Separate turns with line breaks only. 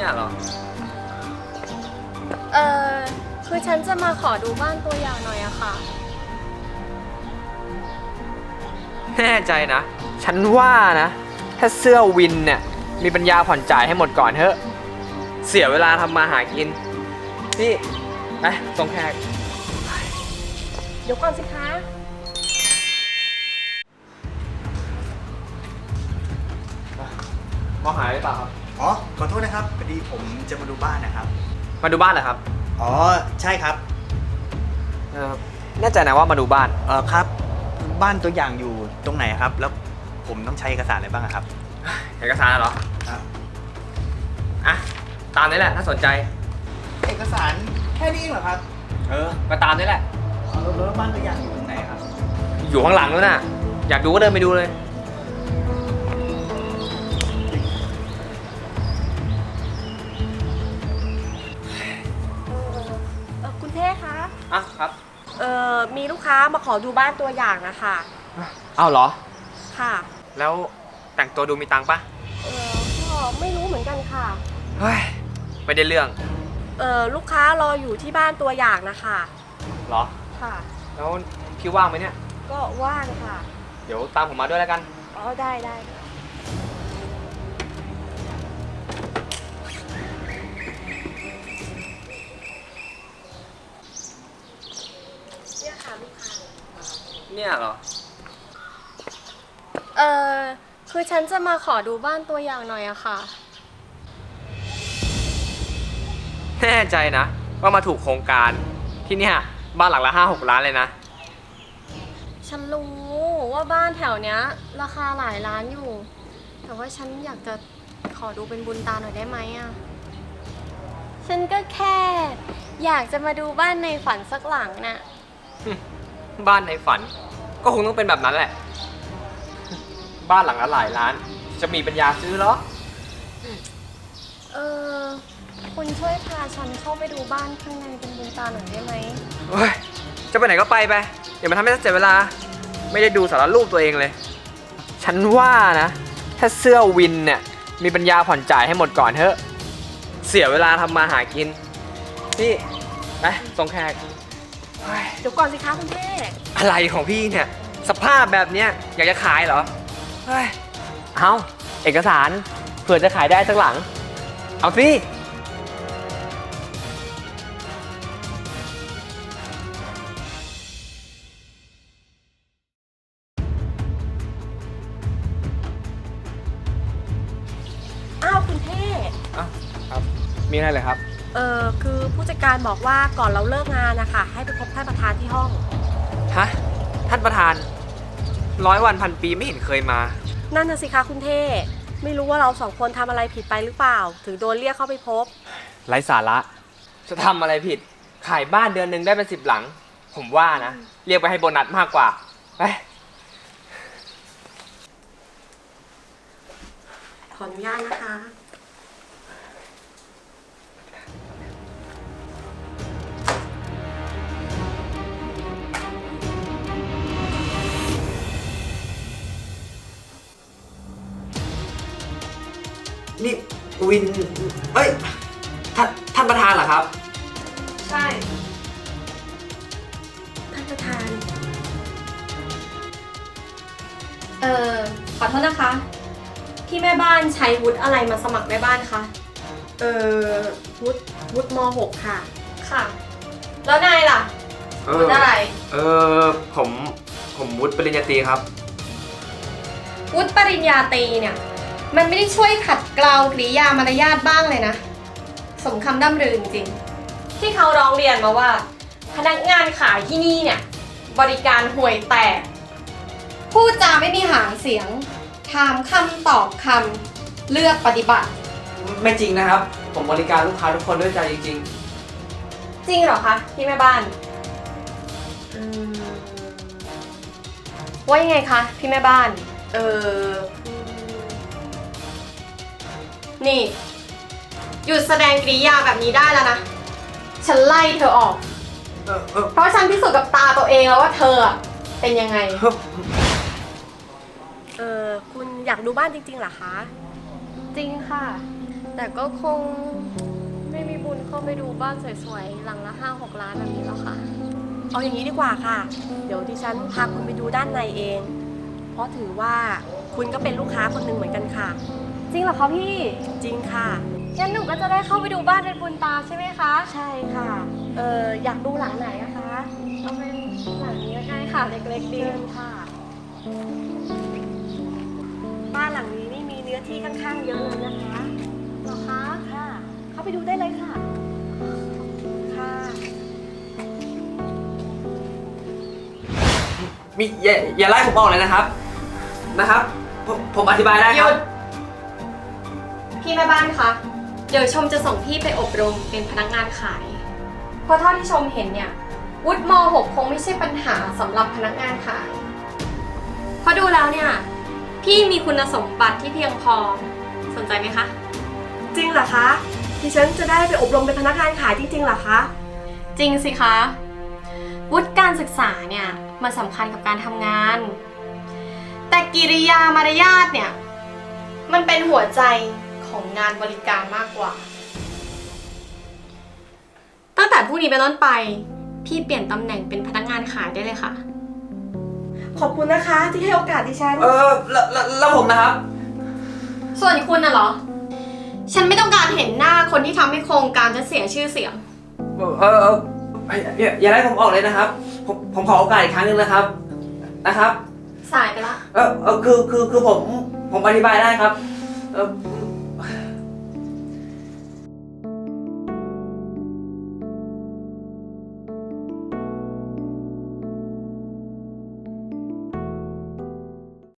เนี่ยเหรอ
เออคือฉันจะมาขอดูบ้านตัวอย่างหน่อยอะค่ะ
แน่ใจนะฉันว่านะถ้าเสื้อวินเนี่ยมีปัญญาผ่อนจ่ายให้หมดก่อนเถอะเสียเวลาทำมาหากินนี่ไปส่งแขก
เดี๋ยวก่อนสิคะ
มองหาหรือเปล่าครับ
อ๋อขอโทษนะครับพอดีผมจะมาดูบ้านนะครับ
มาดูบ้านเหรอครับ
อ๋อใช่ครับ
แน่ใจนะว่ามาดูบ้าน
ครับบ้านตัวอย่างอยู่ตรงไหนครับแล้วผมต้องใช้เอกสารอะไรบ้างครับ
เอกสารเหรออ่ะตามนี้แหละถ้าสนใจ
เอกสารแค่นี้เหรอครับ
ก็ตามนี้แหละ
แล้วบ้านตัวอย่างอยู่ตรงไหนครับ
อยู่ข้างหลังแล้วน่ะอยากดูก็เดินไปดูเลย
คุณเท่คะ
ครับ
มีลูกค้ามาขอดูบ้านตัวอย่างนะคะ
อ้าวเหรอ
ค่ะ
แล้วแต่งตัวดูมีตังค์ปะ
ก็ไม่รู้เหมือนกันค่ะ
เฮ้ยไม่ได้เรื่อง
ลูกค้ารออยู่ที่บ้านตัวอย่างนะคะ
เหรอ
ค่ะ
แล้วพี่ว่างไหมเนี่ย
ก็ว่างค่ะ
เดี๋ยวตามผมมาด้วยแล้วกัน
ได้เนี่ยค่ะลูกค้า
เนี่ยเหรอ
คือฉันจะมาขอดูบ้านตัวอย่างหน่อยอะค่ะ
แน่ใจนะว่ามาถูกโครงการที่เนี่ยบ้านหลังละ5-6 ล้านเลยนะ
ฉันรู้ว่าบ้านแถวเนี้ยราคาหลายล้านอยู่แต่ว่าฉันอยากจะขอดูเป็นบุญตาหน่อยได้ไหมอะฉันก็แค่อยากจะมาดูบ้านในฝันสักหลังน่ะ
บ้านในฝันก็คงต้องเป็นแบบนั้นแหละบ้านหลังละหลายล้านจะมีปัญญาซื้อเหรอ
คุณช่วยพาฉันเข้าไปดูบ้านข้างในเป็นบุญตาหน่อยได้ไหม
เฮ้ยจะไปไหนก็ไปอย่ามาทำให้เสียเวลาไม่ได้ดูสารรูปตัวเองเลยฉันว่านะถ้าเสื้อวินเนี่ยมีปัญญาผ่อนจ่ายให้หมดก่อนเถอะเสียเวลาทำมาหากินนี่ไปส่งแขก
เดี๋ยวก่อนสิคะคุณเท่
อะไรของพี่เนี่ยสภาพแบบเนี้ยอยากจะขายเหรอเอาเอกสารเผื่อจะขายได้สักหลังเอาสิ
คุณเท่
ครับมีอะไรเลยครับ
คือผู้จัดการบอกว่าก่อนเราเลิกงานนะคะให้ไปพบท่านประธานที่ห้อง
ฮะท่านประธาน100 วันพันปีไม่เห็นเคยมา
นั่นน่ะสิคะคุณเท่ไม่รู้ว่าเรา2 คนทำอะไรผิดไปหรือเปล่าถึงโดนเรียกเข้าไปพบ
ไร้สาระจะทำอะไรผิดขายบ้านเดือนหนึ่งได้เป็น10 หลังผมว่านะเรียกไปให้โบนัสมากกว่าไป
ขออนุญาตนะคะ
นี่วินเอ้ยท่านประธานเหรอครับ
ใช่ท่านประธานขอโทษนะคะที่แม่บ้านใช้วุฒิอะไรมาสมัครแม่บ้านคะวุฒิม.6 ค่ะค่ะแล้วนายล่ะวุฒิอะไร
ผมวุฒิปริญญาตรีครับ
วุฒิปริญญาตรีเนี่ยมันไม่ได้ช่วยขัดเกลากริยามารยาทบ้างเลยนะสมคำด่ำรือจริงๆที่เขาร้องเรียนมาว่าพนักงานขายที่นี่เนี่ยบริการห่วยแตกพูดจาไม่มีหางเสียงถามคำตอบคำเลือกปฏิบัติ
ไม่จริงนะครับผมบริการลูกค้าทุกคนด้วยใจจริง
จริงเหรอคะพี่แม่บ้านว่ายังไงคะพี่แม่บ้านนี่หยุดแสดงกริยาแบบนี้ได้แล้วนะฉันไล่เธอออกเพราะฉันพิสูจน์กับตาตัวเองแล้วว่าเธอเป็นยังไงคุณอยากดูบ้านจริงๆเหรอคะจริงค่ะแต่ก็คงไม่มีบุญเข้าไปดูบ้านสวยๆหลังละ5-6 ล้านแบบนี้หรอกค่ะ
เอาอย่างนี้ดีกว่าค่ะ เดี๋ยวดิฉันพาคุณไปดูด้านในเอง เพราะถือว่าคุณก็เป็นลูกค้าคนหนึ่งเหมือนกันค่ะ
จริงเหรอคะพี่
จริงค่ะ
งั้นหนูก็จะได้เข้าไปดูบ้านเป็นบุญตาใช่ไหมคะ
ใช่ค่ะ อยากดูหลังไหนนะคะ
เอาเป็นหลังนี้ก็ได้ค่ะ เล็กๆดี
เดินค่ะ บ้านหลังนี้นี่มีเนื้อที่ค่อนข้างเยอะเลยนะคะ
เหรอคะ
ค่ะ เข้าไปดูได้เลยค่ะ ค่ะ
อย่าไล่ผมออกเลยนะครับ ผมอธิบายได้
ห
ค
ยุ
รับ
ด พี่แม่บ้านคะ เดี๋ยวชมจะส่งพี่ไปอบรมเป็นพนักงานขาย เพราะเท่าที่ชมเห็นเนี่ย วุฒิม .6 คงไม่ใช่ปัญหาสำหรับพนักงานขาย เพราะดูแล้วเนี่ย พี่มีคุณสมบัติที่เพียงพอ สนใจไหมคะ
จริงเหรอคะ ดิฉันจะได้ไปอบรมเป็นพนักงานขายจริงๆเหรอคะ
จริงสิคะ วุฒิการศึกษาเนี่ยมันสำคัญกับการทำงาน แต่กิริยามารยาทเนี่ยมันเป็นหัวใจของงานบริการมากกว่า ตั้งแต่พรุ่งนี้เป็นต้นไป พี่เปลี่ยนตำแหน่งเป็นพนักงานขายได้เลยค่ะ
ขอบคุณนะคะที่ให้โอกาสดิฉัน
แล้วผมนะครับ
ส่วนคุณน่ะเหรอ ฉันไม่ต้องการเห็นหน้าคนที่ทำให้โครงการจะเสียชื่อเสียง
อย่าไล่ผมออกเลยนะครับ ผมขอโอกาสอีกครั้งหนึ่งนะครับ
สายไปละ
คือผมอธิบายได้ครับ